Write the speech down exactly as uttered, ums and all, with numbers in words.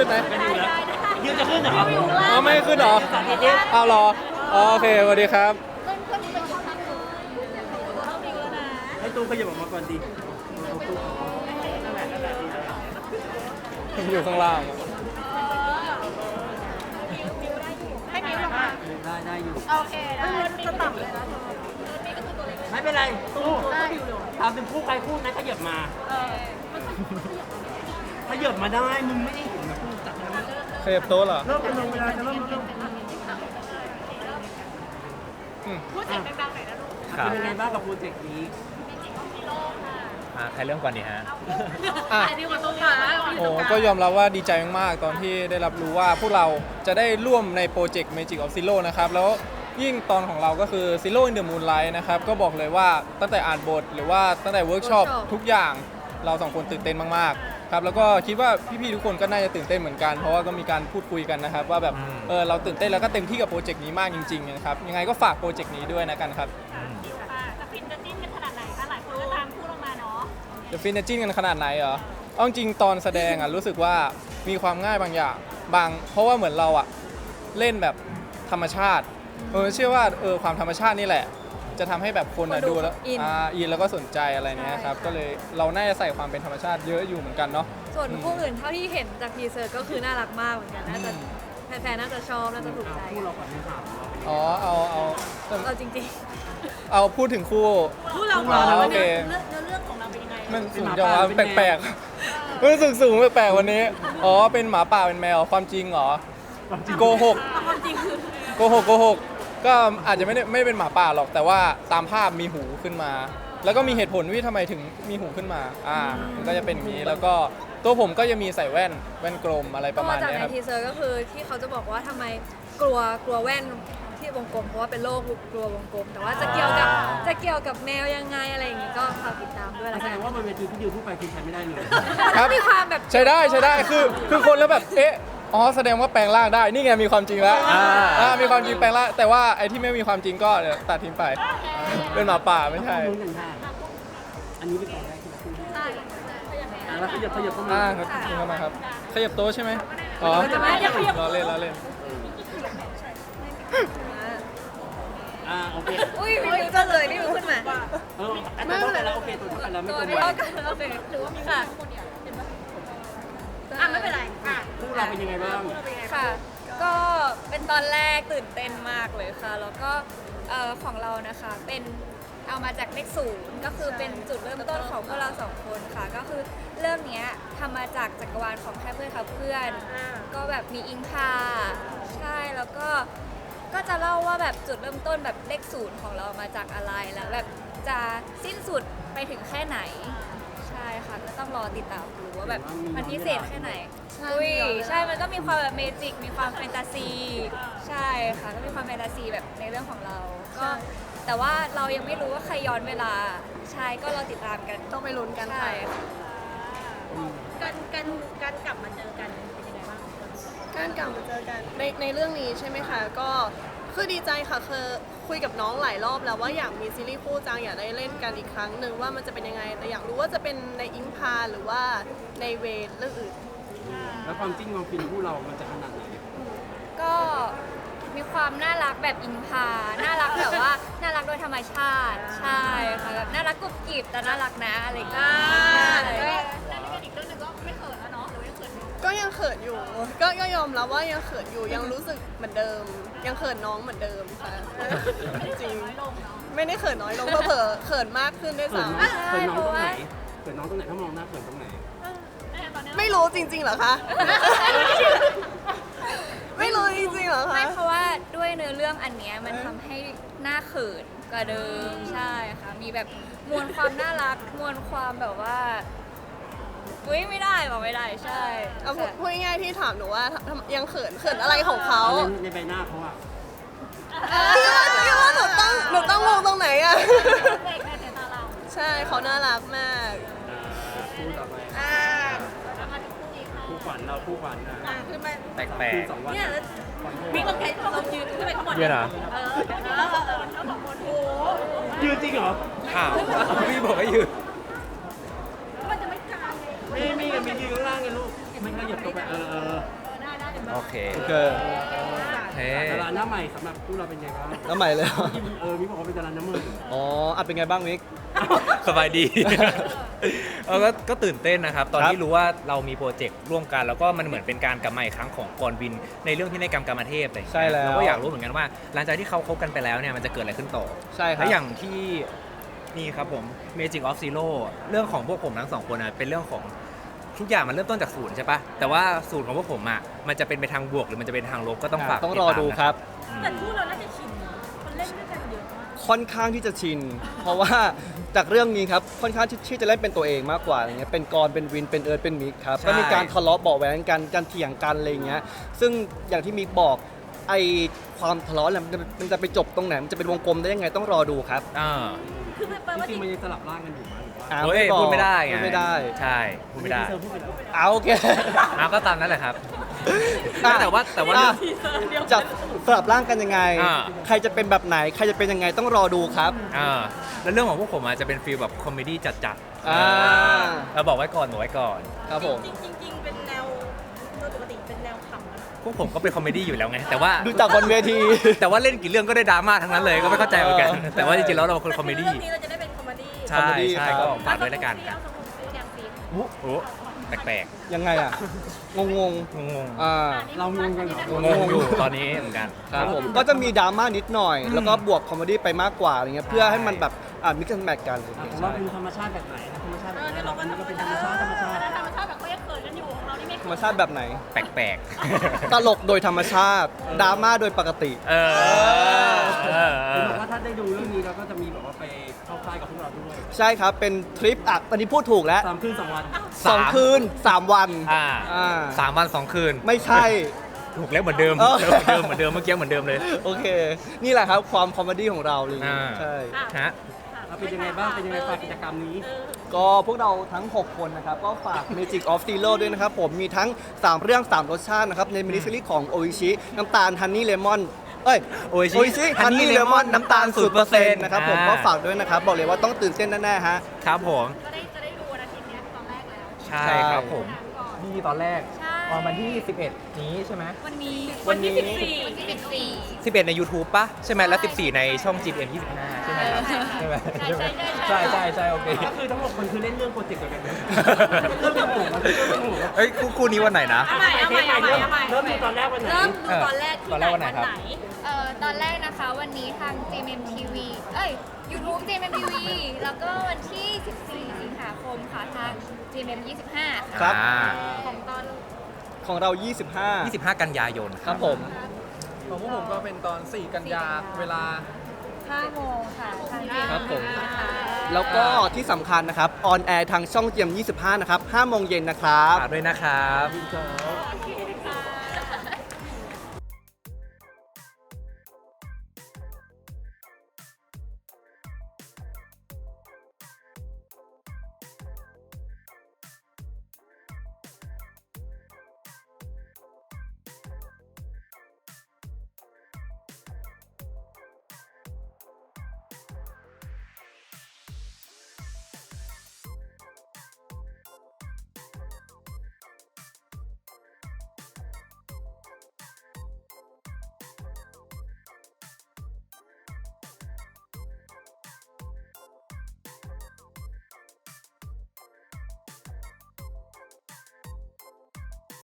ขึ้นไหมไม่ดูแล้วยืนจะขึ้นเหรออ๋อไม่ขึ้นเหรอเอาเหรออ๋อโอเคสวัสดีครับให้ตู้ขยับออกมาก่อนดิอยู่ข้างล่างให้มิ้วลงมาได้ได้อยู่โอเคได้จะต่ำเลยนะไม่เป็นไรตู้ทำเป็นคู่ใครคู่นั้นขยับมาขยับมาได้มึงไม่ได้เห็นนะตู้จับนะขยับโต๊ะเหรอเริ่มเป็นลงเวลาจะเริ่มเริ่มอืมพูดเสียงดังๆหน่อยนะลูกเป็นยังไงบ้างกับโปรเจกต์นี้อ่าใครเริ่มก่อนดีฮะอ่ะอันนี้มาตรงกลางโอ้ก็ยอมรับว่าดีใจมากๆ ตอนที่ได้รับรู้ว่าพวกเราจะได้ร่วมในโปรเจกต์ Magic of Zero นะครับ แล้วยิ่งตอนของเราก็คือ Zero in the Moonlight นะครับ ก็บอกเลยว่าตั้งแต่อ่านบทหรือว่าตั้งแต่เวิร์กช็อปทุกอย่างเราสองคนตื่นเต้นมากๆครับแล้วก็คิดว่าพี่ๆทุกคนก็น่าจะตื่นเต้นเหมือนกัน เพราะว่าก็มีการพูดคุยกันนะครับ ว่าแบบอืมเออเราตื่นเต้นแล้วก็เต็มที่กับโปรเจกต์นี้มากจริงๆนะครับยังไงก็ฝากโปรเจกต์นี้ด้วยนะกันครับจะฟินจะจิ้นกันขนาดไหนคะหลายคนก็ตามพูดออกมาเนาะจะฟินจะจิ้นกันขนาดไหนเหรอเอาจริงๆตอนแสดงอ่ะรู้สึกว่ามีความง่ายบางอย่างบาง เพราะว่าเหมือนเราอ่ะเล่นแบบธรรมชาติเออเชื่อว่าเออความธรรมชาตินี่แหละ จะทำให้แบบคนอ่ะดูแล้วอ่าอินแล้วก็สนใจอะไรเนี้ยครับก็เลยเราน่าจะใส่ความเป็นธรรมชาติเยอะอยู่เหมือนกันเนาะส่วนคู่อื่นเท่าที่เห็นจากทีเซอร์ก็คือน่ารักมากเหมือนกันน่าจะแฟนๆน่าจะชอบน่าจะถูกใจคู่เราก่อนไม่ถามเราอ๋อเอาเอาเอาจริงเอาพูดถึงคู่พูดเราอ๋อโอเคเรื่องเรื่องของเราเป็นยังไงมันสูงจังวะแปลกๆรู้สึกสูงแปลกๆวันนี้อ๋อเป็นหมาป่าเป็นแมวความจริงเหรอโกหกความจริงคือโกหกโกหกก็อาจจะไม่ได้ไม่ได้เป็นหมาป่าหรอกแต่ว่าตามภาพมีหูขึ้นมา แล้วก็มีเหตุผลว่าทำไมถึงมีหูขึ้นมาอ่ามันก็จะเป็นอย่างนี้แล้วก็ตัวผมก็จะมีใส่แว่นแว่นกลมอะไรๆปก็ระมาณจากนี้ในครับทีเซอร์ก็คือที่เขาจะบอกว่าทำไมกลัวกลัวแว่นที่วงกลมเพราะว่าเป็นโรคกลัววงกลม แต่ว่าจะเกี่ยวกับจะเกี่ยวกับแมวยังไงอะไรอย่างงี้ก็ฝากติดตามด้วยละแสกัดนงว่าบนเวทีที่ดิวพูดไปคือใช้ไม่ได้เลยครับมีความแบบใช้ได้ใช้ได้คือคือคนแล้วแบบเอ๊ะอ๋อแสดงว่าแปลงร่างได้นี่ไงมีความจริงแล้วอ่าอ่ามีความจริงแปลงร่างแต่ว่าไอ้ที่ไม่มีความจริงก็เดี๋ยวตัดทิ้งไป เป็นหมาป่าไม่ใช่ลุ้นกันค่ะอันนี้ไปก่อนได้คือคู่ที่อ่ะแล้วขยับขยับเข้ามาอ่าครับคุณเข้ามาครับขยับโต๊ะใช่ไหมอ๋อล้อเล่นล้อเล่นอ่าโอเคอุ้ยมีจะเลยนี่ขึ้นมาเออแต่ตัวกันแล้วโอเคตัวกันแล้วไม่ตัวเป็นนี้ไรเท่ากันโอเคถือว่ามีค่ะอ่ะไม่เป็นไรอ่ะคู่เราเป็นยังไงบ้างค่ะ ก็เป็นตอนแรกตื่นเต้นมากเลยค่ะ แล้วก็เอ่อของเรานะคะเป็นเอามาจากเลขศูนย์ก็คือเป็นจุดเริ่มต้นของพวกเราสองคนค่ะ ก็คือเรื่องเนี้ยทำมาจากจักรวาลของแค่เพื่อนครับเพื่อน ก็แบบมีอิงคาใช่แล้วก็ก็จะเล่าว่าแบบจุดเริ่มต้นแบบเลขศูนย์ของเรามาจากอะไรแล้วแบบจะสิ้นสุดไปถึงแค่ไหน ใช่ค่ะก็ต้องรอติดตามดูว่าแบบมันพิเศษแค่ไหนอุ้ยใช่มันก็มีความแบบเมจิกมีความแฟนตาซีใช่ค่ะก็มีความแฟนตาซีแบบในเรื่องของเราก็แต่ว่าเรายังไม่รู้ว่าใครย้อนเวลาใช่ก็รอติดตามกันต้องไปลุ้นกันใช่ค่ะการการการกลับมาเจอกันเป็นยังไงบ้างการกลับมาเจอกันในในเรื่องนี้ใช่ไหมคะก็คือดีใจค่ะคือคุยกับน้องหลายรอบแล้วว่าอยากมีซีรีส์คู่จังอยากได้เล่นกันอีกครั้งหนึ่งว่ามันจะเป็นยังไงแต่อยากรู้ว่าจะเป็นในอิงพาหรือว่าในเวทเรื่องอื่นแล้วความจริงความฟินคู่เรามันจะขนาดไหนก็มีความน่ารักแบบอิงพาน่ารักแบบว่าน่ารักโดยธรรมชาติใช่ค่ะแบบน่ารักกรุบกริบแต่น่ารักนะอะไรอย่างเงี้ยใช่แล้วนี่กันอีกเรื่องหนึงก็ไม่เขินแล้วเนาะหรือว่ายังเขินอยู่ก็ยังเขินอยู่ก็ก็ยอมรับว่ายังเขินอยู่ยังรู้สึกเหมือนเดิม ยังเขินน้องเหมือนเดิมค่ะจริงไม่ได้เขินน้อยลงเผลอๆเขินมากขึ้นด้วยเขินซ้ำเขินน้องตรงไหนเขินน้องตรงไหนถ้ามองหน้าเขินตรงไหนไม่รู้จริงๆเหรอคะ ไม่รู้จริงๆเหรอคะไม่เพราะว่าด้วยเนื้อเรื่องอันเนี้ยมันทำให้หน้าเขินกว่าเดิมใช่ค่ะมีแบบมวลความน่ารักมวลความแบบว่าอุ้ยไม่ได้บอกไม่ได้ใช่เอาพูดพูดง่ายๆที่ถามหนูว่าทำยังเขินเขินอะไรของเขาเอาในในใบหน้าเขาอะพี่ว่าพี่ว่าหนูต้องหนูต้องมองตรงไหนอะเด็กในสายตาเราใช่เขาน่ารักมากอ่าคู่ต่อไปอ่าแล้วมาถึงคู่นี้ค่ะคู่ขวัญเราคู่ขวัญนะอ่ะขึ้นมาแปลกคืนสองวันเนี่ยแล้วมีคนแค่เรายืนขึ้นไปข้างบนๆเยอะนะเออเดี๋ยวนะเออเออแล้วสองคนโอ้โหยืนจริงเหรอข่าวพี่บอกให้ยืนมันจะไม่กลางเลยไม่มีกันมียืนข้างล่างไงลูกเห็นไม่ขยับตัวไปเออเออโอเคโอเคเฮ้ดาราหน้าใหม่สำหรับพวกเราเป็นไงบ้างแล้วใหม่เลยเหรอที่เออมีบอกว่าเป็นดาราหน้าใหม่อ๋ออ่ะเป็นไงบ้างมิกสบายดี เออก็ก็ตื่นเต้นนะครับ ตอนครับที่รู้ว่าเรามีโปรเจกต์ร่วมกัน แล้วก็มันเหมือนเป็นการกลับมาอีกครั้งของกรวิน ในเรื่องที่ในกรรมกรรมเทพอะไรอย่างใช่เงี้ยแล้วเราก็อยากรู้เหมือนกันว่า หลังจากที่เขาคบกันไปแล้วเนี่ยมันจะเกิดอะไรขึ้นต่อใช่ครับและอย่างที่นี่ครับผม Magic of Zero เรื่องของพวกผมทั้งสองคนนะเป็นเรื่องของทุกอย่างมันเริ่มต้นจากศูนย์ใช่ปะแต่ว่าศูนย์ของพวกผมอ่ะมันจะเป็นไปทางบวกหรือมันจะเป็นทางลบก็ต้องฝากต้องติรอตามดูนะครับแต่คู่เราน่าจะชินเนอะคนเล่นด้วยกันเยอะมากค่อนข้างที่จะชิน เพราะว่าจากเรื่องนี้ครับค่อนข้างที่ที่จะเล่นเป็นตัวเองมากกว่าอะไรเงี้ยเป็นกรเป็นวินเป็นเอิร์ธเป็นมิกครับใช่ก็มีการทะเลาะเบาะแว้งกันการเถียงกันอะไรเงี้ยซึ่งอย่างที่มิกบอกไอความทะเลาะเนี่ยมันจะมันจะไปจบตรงไหนมันจะเป็นวงกลมได้ยังไงต้องรอดูครับอ่าคือแปลจว่าริจงริงๆมันยังสลับร่างกันอยู่มั้ยหรือว่าอ่าเฮ้ยบอกพูดไม่ได้ไงพูดไม่ได้ใช่พูดไม่ได้เซอร์พูดไปแล้วเอาโอเคเอาก็ตามนั้นแหละครับอ่ะแต่ว่าแต่ว่าอ่ะเรื่องจะสลับร่างกันยังไงอ่าใครจะเป็นแบบไหน ใครจะเป็นยังไงต้องรอดูครับอ่าแล้วเรื่องของพวกผมอาจจะเป็นฟีลแบบคอมเมดี้จัดๆอ่าเราบอกไว้ก่อนบอกไว้ก่อนครับผมจริงจริงจริงเป็นแนวโดยปกติเป็นแนวขำนะพวกผมก็เป็นคอมเมดี้อยู่แล้วไง แต่ว่าดูจากบนเวทีแต่ว่าเล่นกี่เรื่องก็ได้ดราม่าทั้งนั้นเลยก็ไม่เข้าใจเหมือนกัน แต่ว่าจริงๆแล้วเราเป็นคนคอมเมดี้เรื่องนี้เราจะได้เป็นคอมเมดี้ใช่คอมเมดี้ใช่ครับก็ฝากด้วยแล้วกันเอาสมุนซื้อแกงซีโอ้โหแปลกยังไงอ่ะ งงงๆงงๆอ่าเรางงกันเหรอๆงงๆอยู่ตอนนี้เหมือนกันครับผม ก็จะมีดราม่านิดหน่อย แล้วก็บวกคอมเมดี้ไปมากกว่าอะไรเงี้ย เพื่อให้มันแบบ อ่ามิกซ์แมทกันอ่ะของเราเป็นธรรมชาติแบบไหนธรรมชาติแบบไหนเราอันนี้ก็เป็นธรรมชาติธรรมชาติธรรมชาติแบบเขายังเขินกันอยู่ของเรานี่ไม่ธรรมชาติแบบไหนแปลกตลกโดยธรรมชาติ ดราม่าโดยปกติๆ เออเออเอคืออแบบว่าถ้าได้ดูเรื่องนี้เราก็จะมีแบบว่าไปเข้าค่ายกับพวกเราด้วยใช่ครับ เป็นทริปอ่ะตอนนี้พูดถูกแล้วสามคืนสองวันสองคืนสามวันอ่าอ่าสามวันสองคืนไม่ใช่ถูกแล้วเหมือนเดิมเออเหมือนเดิมเหมือนเดิมเมื่อกี้เหมือนเดิมเลยโอเค นี่แหละครับความคอมเมดี้ของเราเลยอ่าใช่ฮะเราเป็นยังไงบ้างเป็นยังไงฝากกิจกรรมนี้ก็พวกเราทั้ง หก คนนะครับ ก็ฝาก Magic of Zero ด้วยนะครับ ผมมีทั้ง สาม เรื่อง สาม รสชาตินะครับ ในมินิซีรีส์ของโออิชิน้ำตาลฮันนี่เลมอนเอ้ย Oishi ฮันนี่ Honey เลมอน Lemon น้ำตาลศูนย์เปอร์เซ็นต์ศูนย์เปอร์เซ็นต์นะครับผมอ่าก็ฝากด้วยนะครับ บอกเลยว่าต้องตื่นเต้นแน่ๆฮะครับผมก็ได้จะได้ดูวันอาทิตย์เนี้ยตอนแรกแล้วใช่ครับผมนี่ตอนแรกใช่ออกมาที่สิบเอ็ดนี้ใช่ไหมวันนี้วันนี้วันที่สิบสี่วันที่สิบสี่สิบเอ็ดใน YouTube ปะใช่ไหมแล้วสิบสี่ในช่อง จี เอ็ม ยี่สิบห้าใช่ไหมครับใช่ไหมใช่ใช่ใช่ใช่ใช่ใช่โอเคก็คือทั้งหมดคนคือเล่นเรื่องโปรเจกต์เดียวกันนะเริ่มจากผมมันเริ่มจากผมเอ้ยคู่คู่นี้วันไหนนะเอาใหม่เอาใหม่เอาใหม่เอาใหม่เริ่มดูตอนแรกวันไหนเริ่มดูตอนแรกที่ตอนไหแรนกวันไหนวันครับไหนเอ่อตอนแรกนะคะวันนี้ทาง จี เอ็ม เอ็ม ที วี เอ้ย YouTube จี เอ็ม เอ็ม ที วี แล้วก็วันที่ สิบสี่ สิงหาคมค่ะทาง จี เอ็ม เอ็ม ยี่สิบห้า ค่ะครับอ่าของตอนของเรา ยี่สิบห้ายี่สิบห้า กันยายนครับผมของพวกผมก็เป็นตอน สี่ กันยาเวลาห้าโมงค่ะทาง จี เอ็ม เอ็มครับผมนะคะแล้วก็ที่สำคัญนะครับ ออนแอร์ทางช่องเจียม ยี่สิบห้า นะครับ ห้า โมงเย็นนะครับฝากด้วยนะครับโอเค